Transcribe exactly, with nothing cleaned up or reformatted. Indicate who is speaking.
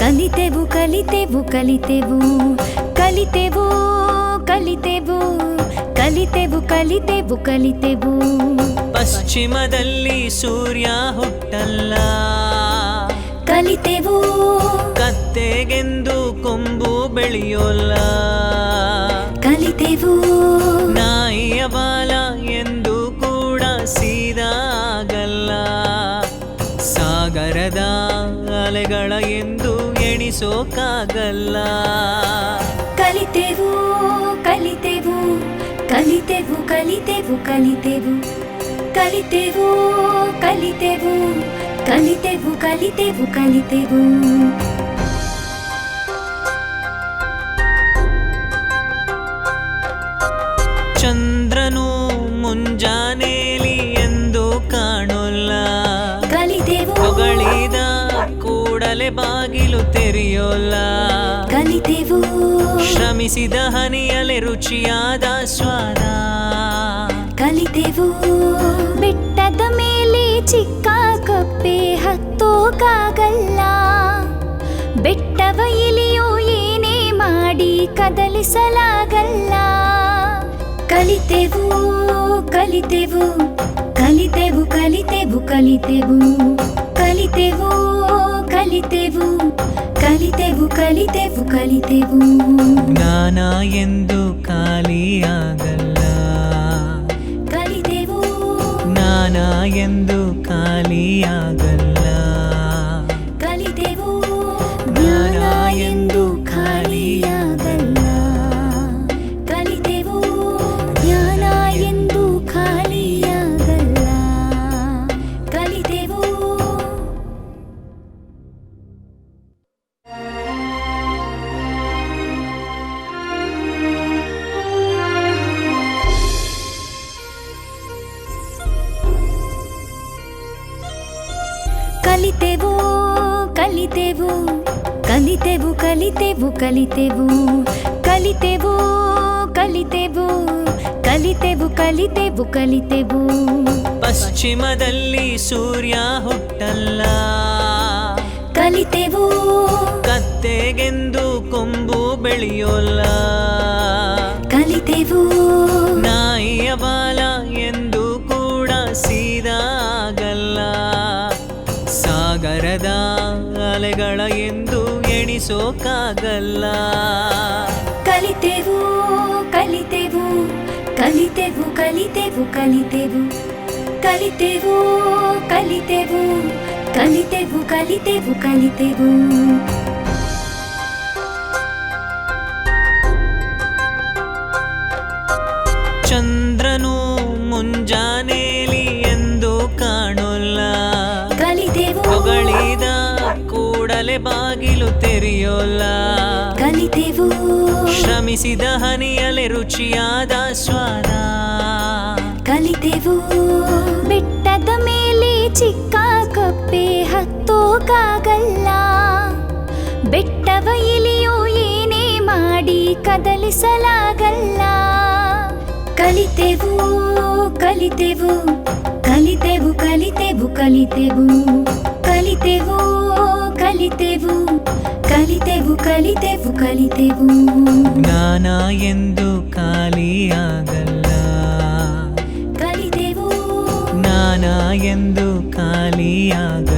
Speaker 1: ಕಲಿತೆವು ಕಲಿತೆವು ಕಲಿತೆವು ಕಲಿತೆವು ಕಲಿತೆವು ಕಲಿತೆವು ಕಲಿತೆವು ಕಲಿತೆವು
Speaker 2: ಪಶ್ಚಿಮದಲ್ಲಿ ಸೂರ್ಯ ಹುಟ್ಟಲ್ಲ,
Speaker 1: ಕಲಿತೆವು
Speaker 2: ಕತ್ತೆಗೆಂದು ಕೊಂಬು ಬೆಳೆಯೋಲ್ಲ,
Speaker 1: ಕಲಿತೆವು
Speaker 2: ನಾಯಿಯ ಬಾಲ ಎಂದು ಕೂಡ ಸೀದಾ ಆಗಲ್ಲ, ಸಾಗರದ ಅಲೆಗಳ ಎಂದು ಎಣಿಸೋಕಾಗಲ್ಲ.
Speaker 1: ಕಲಿತೆವು ಕಲಿತೆವು ಕಲಿತೆವು ಕಲಿತೆವು ಕಲಿತೆವು ಕಲಿತೆವು ಕಲಿತೆವು ಕಲಿತೆವು ಕಲಿತೆವು ಕಲಿತೆವು
Speaker 2: ಚಂದ್ರನು ಮುಂಜಾನೇಲಿ ಎಂದು ಕಾಣೋಲ್ಲ,
Speaker 1: ಕಲಿತೆವು
Speaker 2: ಹೊಗಳಿದ ಕೂಡಲೇ ಬಾಗಿಲು ತೆರೆಯೋಲ್ಲ,
Speaker 1: ಕಲಿತೆವು
Speaker 2: ಶ್ರಮಿಸಿದ ಹನಿಯಲೆ ರುಚಿಯಾದ ಸ್ವಾದ,
Speaker 1: ಕಲಿತೆವು ಬೆಟ್ಟದ ಮೇಲೆ ಚಿಕ್ಕ ಕಪ್ಪೆ ಹತ್ತೋಕಾಗಲ್ಲ, ಬೆಟ್ಟವ ಇಲಿಯೋ ಏನೇ ಮಾಡಿ ಕದಲಿಸಲಾಗಲ್ಲ. ಕಲಿತೆವು ಕಲಿತೆವು ಕಲಿತೆವು ಕಲಿತೆವು ಕಲಿತೆವು ಕಲಿತೆವು ಕಲಿತೆವು ಕಲಿತೆವು ಕಲಿತೆವು ಕಲಿತೆವು
Speaker 2: ಜ್ಞಾನ ಎಂದು ಖಾಲಿಯಾಗಲ್ಲ,
Speaker 1: ಕಲಿತೆವು
Speaker 2: ಜ್ಞಾನ ಎಂದು ಖಾಲಿಯಾಗಲ್ಲ,
Speaker 1: ಕಲಿತೆವು ಜ್ಞಾನ ಎಂದು ಖಾಲಿಯಾಗಲ್ಲ, ಕಲಿತೆವು ಜ್ಞಾನ ಎಂದು ಖಾಲಿಯಾಗಲ್ಲ, ಕಲಿತೆವು. ಕಲಿತೆವು ಕಲಿತೆವು ಕಲಿತೆವು ಕಲಿತೆವು ಕಲಿತೆವು ಕಲಿತೆವು ಕಲಿತೆವು ಕಲಿತೆವು ಕಲಿತೆವು ಕಲಿತೆವು
Speaker 2: ಪಶ್ಚಿಮದಲ್ಲಿ ಸೂರ್ಯ ಹುಟ್ಟಲ್ಲ,
Speaker 1: ಕಲಿತೆವು
Speaker 2: ಕತ್ತೆಗೆಂದು ಕೊಂಬು ಬೆಳೆಯೋಲ್ಲ,
Speaker 1: ಕಲಿತೆವು
Speaker 2: ನಾಯಿಯ ಬಾಲ ಎಂದು ಕೂಡ ಸೀದಾ ಆಗಲ್ಲ, ಸಾಗರದ ಅಲೆಗಳ ಎಂದು ಎಣಿಸೋಕಾಗಲ್ಲ.
Speaker 1: ಕಲಿತೆವು ಕಲಿತೆವು ಕಲಿತೆವು ಕಲಿತೆವು ಕಲಿತೆವು ಕಲಿತೆವು ಕಲಿತೆವು ಕಲಿತೆವು ಕಲಿತೆವು ಕಲಿತೆವು
Speaker 2: ಚಂದ್ರನು ಮುಂಜಾನೇಲಿ ಎಂದು ಕಾಣೋಲ್ಲ,
Speaker 1: ಕಲಿತೆವು
Speaker 2: ಹೊಗಳಿದ ಕೂಡಲೇ ಬಾಗಿಲು ತೆರೆಯೋಲ್ಲ,
Speaker 1: ಕಲಿತೆವು
Speaker 2: ಶ್ರಮಿಸಿದ ಹನಿಯಲೆ ರುಚಿಯಾದ ಸ್ವಾದ,
Speaker 1: ಕಲಿತೆವು ಬೆಟ್ಟದ ಮೇಲೆ ಚಿಕ್ಕ ಕಪ್ಪೆ ಹತ್ತೋಕಾಗಲ್ಲ, ಬೆಟ್ಟವ ಇಲಿಯೋ ಏನೇ ಮಾಡಿ ಕದಲಿಸಲಾಗಲ್ಲ. ಕಲಿತೆವು ಕಲಿತೆವು ಕಲಿತೆವು ಕಲಿತೆವು ಕಲಿತೆವು ಕಲಿತೆವು ಕಲಿತೆವು ಕಲಿತೆವು ಕಲಿತೆವು ಕಲಿತೆವು
Speaker 2: ಜ್ಞಾನ ಎಂದು ಖಾಲಿಯಾಗಲ್ಲ,
Speaker 1: ಕಲಿತೆವು
Speaker 2: ಜ್ಞಾನ ಎಂದು ಖಾಲಿಯಾಗಲ್ಲ.